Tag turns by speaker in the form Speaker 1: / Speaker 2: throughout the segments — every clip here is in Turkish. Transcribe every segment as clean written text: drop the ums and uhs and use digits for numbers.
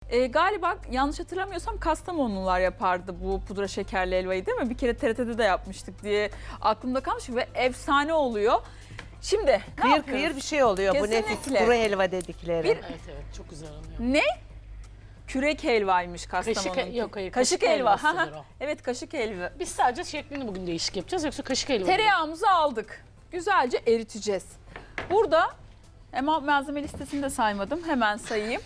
Speaker 1: Galiba yanlış hatırlamıyorsam Kastamonular yapardı bu pudra şekerli helvayı, değil mi? Bir kere TRT'de de yapmıştık diye aklımda kalmış ve efsane oluyor. Şimdi ne
Speaker 2: Kıyır
Speaker 1: yapıyoruz?
Speaker 2: kıyır bir şey oluyor bu nefis
Speaker 1: Kesinlikle.
Speaker 2: kuru helva dedikleri.
Speaker 1: Bir-
Speaker 3: Evet evet çok güzel oluyor.
Speaker 1: Ne? Kürek helvaymış Kastamonu'nun.
Speaker 3: Yok hayır
Speaker 1: Kaşık helva.
Speaker 3: helvasıdır o.
Speaker 1: Evet, kaşık helva.
Speaker 3: Biz sadece şeklini bugün değişik yapacağız yoksa kaşık helva.
Speaker 1: Tereyağımızı aldık. Güzelce eriteceğiz. Burada ama malzeme listesini de saymadım. Hemen sayayım.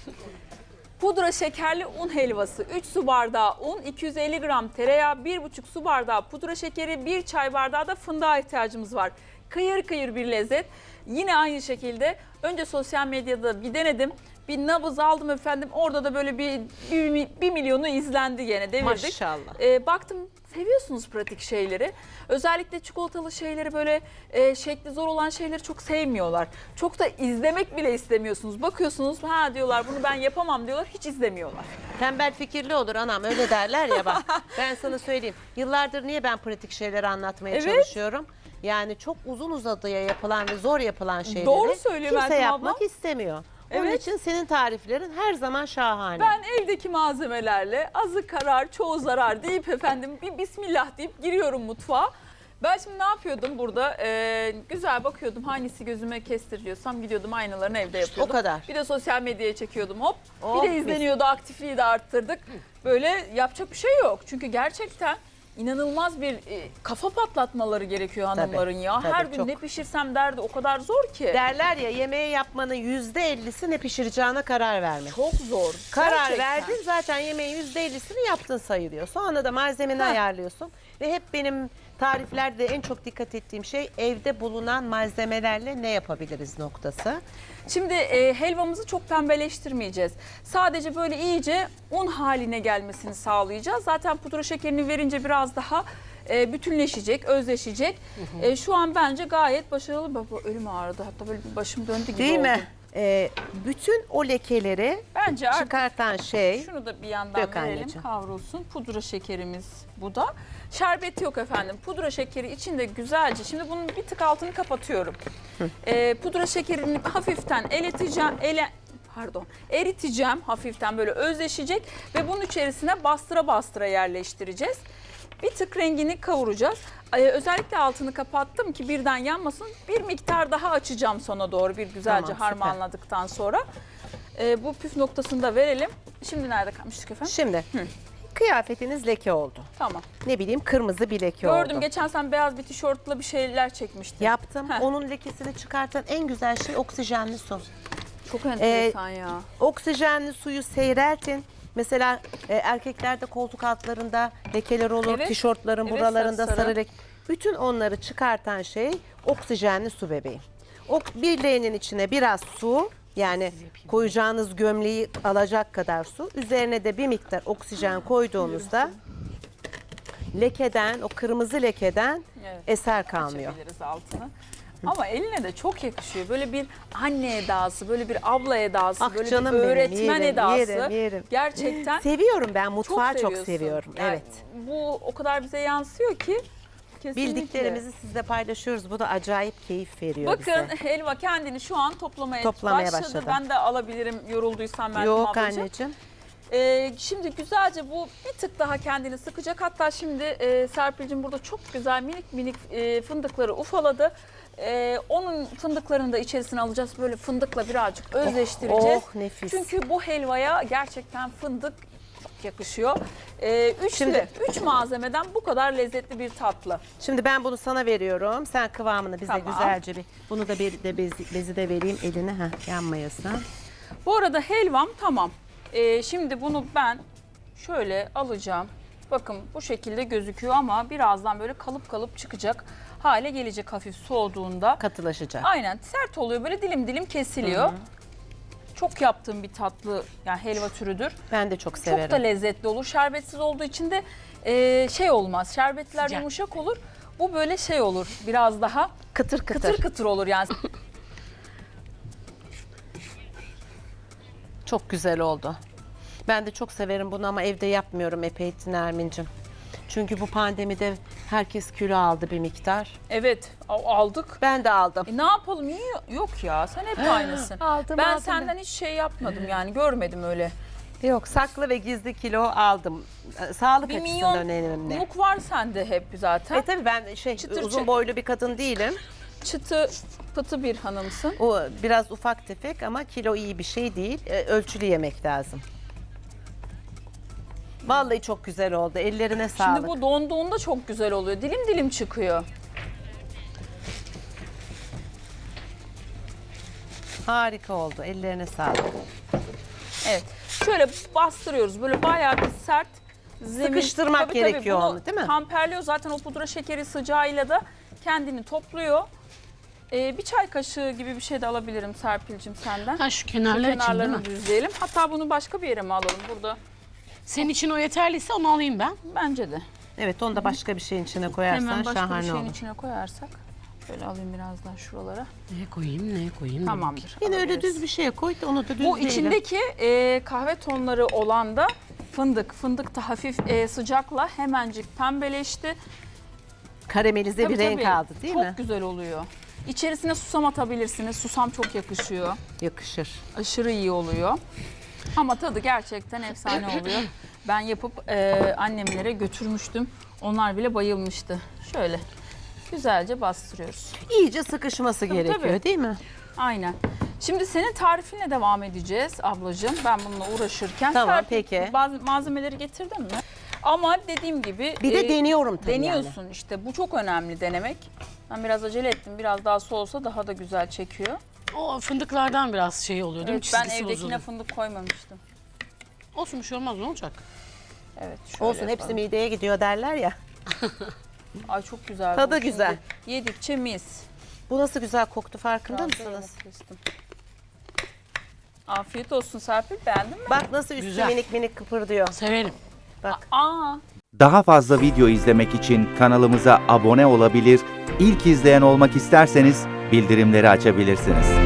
Speaker 1: Pudra şekerli un helvası, 3 su bardağı un, 250 gram tereyağı, 1,5 su bardağı pudra şekeri, 1 çay bardağı da fındığa ihtiyacımız var. Kıyır kıyır bir lezzet. Yine aynı şekilde önce sosyal medyada bir denedim. Bir nabız aldım efendim. Orada da böyle bir milyonu izlendi gene, devirdik.
Speaker 2: Maşallah.
Speaker 1: Baktım seviyorsunuz pratik şeyleri. Özellikle çikolatalı şeyleri, böyle şekli zor olan şeyleri çok sevmiyorlar. Çok da izlemek bile istemiyorsunuz. Bakıyorsunuz ha diyorlar, bunu ben yapamam diyorlar. Hiç izlemiyorlar.
Speaker 2: Tembel fikirli olur anam, öyle derler ya bak. Ben sana söyleyeyim. Yıllardır niye ben pratik şeyleri anlatmaya
Speaker 1: Evet.
Speaker 2: çalışıyorum? Yani çok uzun uzadıya yapılan ve zor yapılan şeyleri
Speaker 1: Doğru söylüyor
Speaker 2: kimse
Speaker 1: Meltem
Speaker 2: yapmak
Speaker 1: abla.
Speaker 2: istemiyor. Onun
Speaker 1: Evet.
Speaker 2: için senin tariflerin her zaman şahane.
Speaker 1: Ben evdeki malzemelerle azı karar çoğu zarar deyip efendim bir bismillah deyip giriyorum mutfağa. Ben şimdi ne yapıyordum burada? Güzel bakıyordum, hangisi gözüme kestiriyorsam gidiyordum aynalarını evde yapıyordum.
Speaker 2: O kadar.
Speaker 1: Bir de sosyal medyaya çekiyordum, hop.
Speaker 2: Oh,
Speaker 1: bir de izleniyordu, aktifliği de arttırdık. Böyle yapacak bir şey yok. Çünkü gerçekten inanılmaz bir kafa patlatmaları gerekiyor hanımların ya.
Speaker 2: tabii,
Speaker 1: Her gün
Speaker 2: çok.
Speaker 1: ne pişirsem derdi, o kadar zor ki.
Speaker 2: Derler ya, yemeği yapmanın %50'si ne pişireceğine karar vermek.
Speaker 1: Çok zor.
Speaker 2: Karar
Speaker 1: Gerçekten.
Speaker 2: verdin, zaten yemeğin %50'sini yaptın sayılıyor. Sonra da malzemeni ayarlıyorsun. Ve hep benim tariflerde en çok dikkat ettiğim şey evde bulunan malzemelerle ne yapabiliriz noktası.
Speaker 1: Şimdi helvamızı çok pembeleştirmeyeceğiz. Sadece böyle iyice un haline gelmesini sağlayacağız. Zaten pudra şekerini verince biraz daha bütünleşecek, özleşecek. Şu an bence gayet başarılı. Baba ölüm ağrıdı. Hatta böyle bir başım döndü gibi
Speaker 2: Değil
Speaker 1: oldu.
Speaker 2: mi? Bütün o lekeleri
Speaker 1: Bence artık
Speaker 2: çıkartan şey.
Speaker 1: şunu da bir yandan
Speaker 2: Dök
Speaker 1: verelim,
Speaker 2: anneciğim.
Speaker 1: kavrulsun. Pudra şekerimiz bu da. Şerbeti yok efendim. Pudra şekeri içinde güzelce. Şimdi bunun bir tık altını kapatıyorum. Pudra şekerini hafiften eriteceğim. Hafiften böyle özleşecek ve bunun içerisine bastıra bastıra yerleştireceğiz. Bir tık rengini kavuracağız. Özellikle altını kapattım ki birden yanmasın. Bir miktar daha açacağım sona doğru, bir güzelce
Speaker 2: Tamam, süper.
Speaker 1: harmanladıktan sonra. Bu püf noktasını da verelim. Şimdi nerede kalmıştık efendim?
Speaker 2: Şimdi kıyafetiniz leke oldu.
Speaker 1: Tamam.
Speaker 2: Ne bileyim, kırmızı bir leke oldu.
Speaker 1: Gördüm, geçen sen beyaz bir tişörtle bir şeyler çekmiştin.
Speaker 2: Yaptım.
Speaker 1: Heh.
Speaker 2: Onun lekesini çıkartan en güzel şey oksijenli su.
Speaker 1: Çok enteresan ya.
Speaker 2: Oksijenli suyu seyreltin. Mesela erkeklerde koltuk altlarında lekeler olur,
Speaker 1: Evet.
Speaker 2: tişörtlerin
Speaker 1: Evet,
Speaker 2: buralarında
Speaker 1: sarı.
Speaker 2: sarı leke. Bütün onları çıkartan şey oksijenli su bebeğim. Bir leğenin içine biraz su, yani koyacağınız gömleği alacak kadar su, üzerine de bir miktar oksijen koyduğunuzda lekeden, o kırmızı lekeden
Speaker 1: Evet.
Speaker 2: eser kalmıyor.
Speaker 1: Açabiliriz altını. Ama eline de çok yakışıyor. Böyle bir anne edası, böyle bir abla edası,
Speaker 2: Ah
Speaker 1: böyle
Speaker 2: canım
Speaker 1: bir
Speaker 2: benim,
Speaker 1: öğretmen
Speaker 2: yerim,
Speaker 1: edası.
Speaker 2: yerim.
Speaker 1: Gerçekten
Speaker 2: Seviyorum ben, mutfağı çok
Speaker 1: seviyorsun.
Speaker 2: seviyorum.
Speaker 1: Yani
Speaker 2: Evet.
Speaker 1: bu o kadar bize yansıyor ki kesinlikle.
Speaker 2: Bildiklerimizi sizle paylaşıyoruz. Bu da acayip keyif veriyor
Speaker 1: Bakın
Speaker 2: bize.
Speaker 1: helva kendini şu an toplamaya başladı.
Speaker 2: Başladı.
Speaker 1: Ben de alabilirim yorulduysam Meltem
Speaker 2: Yok
Speaker 1: ablacığım.
Speaker 2: anneciğim.
Speaker 1: Şimdi güzelce bu bir tık daha kendini sıkacak. Hatta şimdi Serpil'cim burada çok güzel minik minik fındıkları ufaladı. Onun fındıklarını da içerisine alacağız. Böyle fındıkla birazcık özleştireceğiz.
Speaker 2: Oh, nefis.
Speaker 1: Çünkü bu helvaya gerçekten fındık çok yakışıyor.
Speaker 2: Şimdi-
Speaker 1: Üç malzemeden bu kadar lezzetli bir tatlı.
Speaker 2: Şimdi ben bunu sana veriyorum. Sen kıvamını bize
Speaker 1: Tamam.
Speaker 2: güzelce bir... Bunu da bezi de vereyim eline. Yanmayasın.
Speaker 1: Bu arada helvam tamam. Şimdi bunu ben şöyle alacağım. Bakın bu şekilde gözüküyor ama birazdan böyle kalıp kalıp çıkacak hale gelecek hafif soğuduğunda.
Speaker 2: Katılaşacak.
Speaker 1: Aynen, sert oluyor, böyle dilim dilim kesiliyor. Çok yaptığım bir tatlı, yani helva türüdür.
Speaker 2: Ben de çok severim.
Speaker 1: Çok da lezzetli olur. Şerbetsiz olduğu için de şey olmaz. Şerbetler
Speaker 3: Sıcak.
Speaker 1: yumuşak olur. Bu böyle şey olur. Biraz daha
Speaker 2: Kıtır kıtır.
Speaker 1: kıtır kıtır olur yani.
Speaker 2: Çok güzel oldu. Ben de çok severim bunu ama evde yapmıyorum epey Nermin'cim. Çünkü bu pandemide herkes kilo aldı bir miktar.
Speaker 1: Evet, aldık.
Speaker 2: Ben de aldım.
Speaker 1: Ne yapalım? Yok ya, sen hep aynısın.
Speaker 2: Aldım,
Speaker 1: Ben
Speaker 2: aldım
Speaker 1: senden hiç şey yapmadım yani, görmedim öyle
Speaker 2: Yok, saklı ve gizli kilo aldım. Sağlık
Speaker 1: Bir
Speaker 2: açısından önemli.
Speaker 1: milyonluk var sende hep zaten.
Speaker 2: Tabii ben
Speaker 1: Çıtır
Speaker 2: uzun
Speaker 1: çıtır.
Speaker 2: boylu bir kadın değilim.
Speaker 1: Çıtı pıtı bir hanımsın.
Speaker 2: O biraz ufak tefek ama kilo iyi bir şey değil. Ölçülü yemek lazım. Vallahi çok güzel oldu. Ellerine sağlık.
Speaker 1: Şimdi bu donduğunda çok güzel oluyor. Dilim dilim çıkıyor.
Speaker 2: Harika oldu. Ellerine sağlık.
Speaker 1: Evet. Şöyle bastırıyoruz. Böyle bayağı bir sert zemin.
Speaker 2: Sıkıştırmak gerekiyor
Speaker 1: bunu
Speaker 2: onu, değil mi?
Speaker 1: Kamperliyor zaten o pudra şekeri sıcağıyla da kendini topluyor. Bir çay kaşığı gibi bir şey de alabilirim Serpil'cim senden.
Speaker 3: Ha şu
Speaker 1: Şu
Speaker 3: kenarlar için değil
Speaker 1: kenarlarını
Speaker 3: mi?
Speaker 1: düzleyelim. Hatta bunu başka bir yere mi alalım burada?
Speaker 3: Senin için o yeterliyse onu alayım ben.
Speaker 1: Bence de.
Speaker 2: Evet, onu da başka bir şeyin içine koyarsan
Speaker 1: Hemen başka bir
Speaker 2: şahane
Speaker 1: şeyin
Speaker 2: olur.
Speaker 1: içine koyarsak. Şöyle alayım biraz daha şuralara.
Speaker 3: Ne koyayım, ne koyayım?
Speaker 1: Tamamdır.
Speaker 2: Yine öyle
Speaker 1: alabiliriz.
Speaker 2: düz bir şeye koy da onu da düzleyelim.
Speaker 1: Bu içindeki kahve tonları olan da fındık. Fındık da hafif sıcakla hemencik pembeleşti.
Speaker 2: Karamelize bir
Speaker 1: Tabii,
Speaker 2: renk
Speaker 1: tabii.
Speaker 2: aldı değil
Speaker 1: çok
Speaker 2: mi?
Speaker 1: güzel oluyor. İçerisine susam atabilirsiniz. Susam çok yakışıyor.
Speaker 2: Yakışır.
Speaker 1: Aşırı iyi oluyor. Ama tadı gerçekten efsane oluyor. Ben yapıp annemlere götürmüştüm. Onlar bile bayılmıştı. Şöyle güzelce bastırıyoruz.
Speaker 2: İyice sıkışması gerekiyor
Speaker 1: tabii.
Speaker 2: değil mi?
Speaker 1: Aynen. Şimdi senin tarifinle devam edeceğiz ablacığım. Ben bununla uğraşırken.
Speaker 2: Tamam,
Speaker 1: Serpil,
Speaker 2: peki.
Speaker 1: Bazı malzemeleri getirdin mi? Ama dediğim gibi.
Speaker 2: Bir de deniyorum tabii
Speaker 1: Deniyorsun işte. Bu çok önemli denemek. Ben biraz acele ettim. Biraz daha soğusa daha da güzel çekiyor.
Speaker 3: O fındıklardan biraz şey oluyor değil mi?
Speaker 1: Evet, ben
Speaker 3: Çizgisi
Speaker 1: evdekine
Speaker 3: bozuluyor.
Speaker 1: fındık koymamıştım.
Speaker 3: Olsun bir şey olmaz, ne olacak?
Speaker 1: Evet. Şöyle
Speaker 2: Olsun, hepsi
Speaker 1: yapalım.
Speaker 2: mideye gidiyor derler ya.
Speaker 1: Ay çok güzel.
Speaker 2: Tadı
Speaker 1: bu. Şimdi
Speaker 2: güzel.
Speaker 1: Yedikçe mis.
Speaker 2: Bu nasıl güzel koktu, farkında
Speaker 1: Biraz da
Speaker 2: mısınız?
Speaker 1: yamuk kestim. Afiyet olsun Serpil. Beğendin mi?
Speaker 2: Bak nasıl üstü
Speaker 3: Güzel.
Speaker 2: minik minik kıpırdıyor.
Speaker 3: Severim.
Speaker 2: Bak.
Speaker 1: Aa.
Speaker 4: Daha fazla video izlemek için kanalımıza abone olabilir, ilk izleyen olmak isterseniz bildirimleri açabilirsiniz.